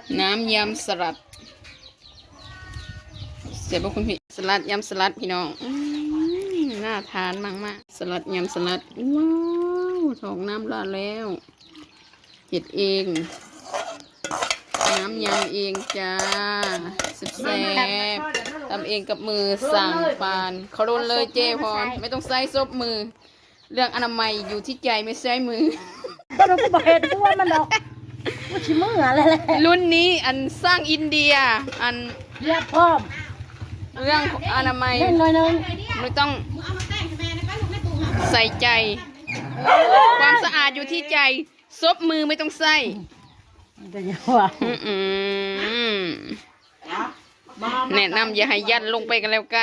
น้ำยำสลัดเสร็จป่ะคุณพี่สลัดยำสลัดพี่น้องน่าทานมากๆสลัดยำสลัดว้าวถอกน้ำราดแล้วเห็ดเองน้ำยำเองจ้าแซ่บทำเองกับมือสั่งปานเขาโดนเลยเจ๊พรไม่ต้องใส่ซบมือเรื่องอนามัยอยู่ที่ใจไม่ใช่มือก็เราก็บอกเหตุว่ามันดอกว่าชิมืออะไรแหละรุ่นนี้อันสร้างอินเดียอันเรียบพร้อมเรื่องอนามัยเล่นหน่อยนึงไม่ต้องใส่ใจ ความสะอาดอยู่ที่ใจซบมือไม่ต้องใส่เดี๋ยวว่าแนะนำอย่าให้ยัดลงไปกันแล้วกัน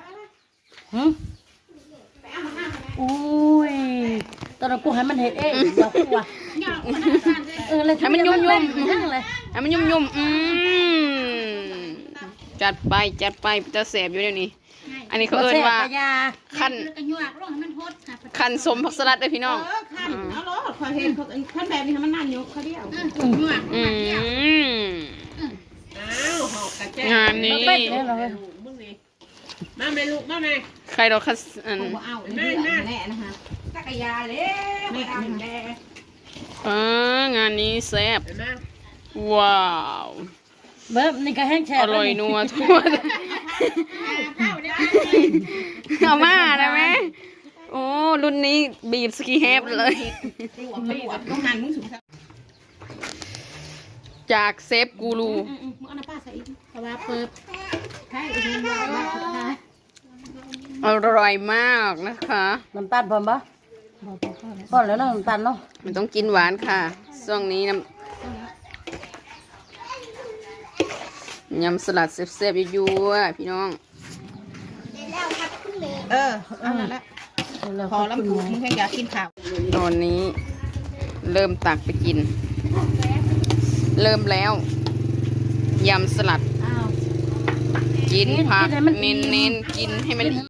อุ้ยตอนนั้นกูให้มันเห็ดเองเดี๋ยวกูว่าเลยให้มันยุ่มเลยให้มันยุ่มจัดไปจะแสบอยู่เดี๋ยวนี้ อันนี้เขาเอิ้นว่าคันสมผักสลัดเลยพี่น้องเอาล้อขอเห็นขั้นแบบนี้มันนั่นอยู่เขาเดียวงานนี้มาแม่ลูกมาแม่ใครเราคัสแม่แน่นะคะตักยาเลยแม่งานนี้แซ่บว้าวเบิ้มนี่ก็แห้งแช่อร่อยนัวทั่วเอามาได้ไหมโอ้รุ่นนี้บีบสกีเฮฟเลยจากเซฟกูรูอร่อยมากนะคะน้ำตาลพอปะพอแล้วน้ำตาลเนาะมันต้องกินหวานค่ะช่วงนี้ยำสลัดเซฟๆยั่วๆพี่น้องอันนั้นแหละพอลำพูมึงแค่อยากกินข้าวตอนนี้เริ่มตักไปกินเริ่มแล้วยำสลัดกินผักเน้นๆกินให้มัน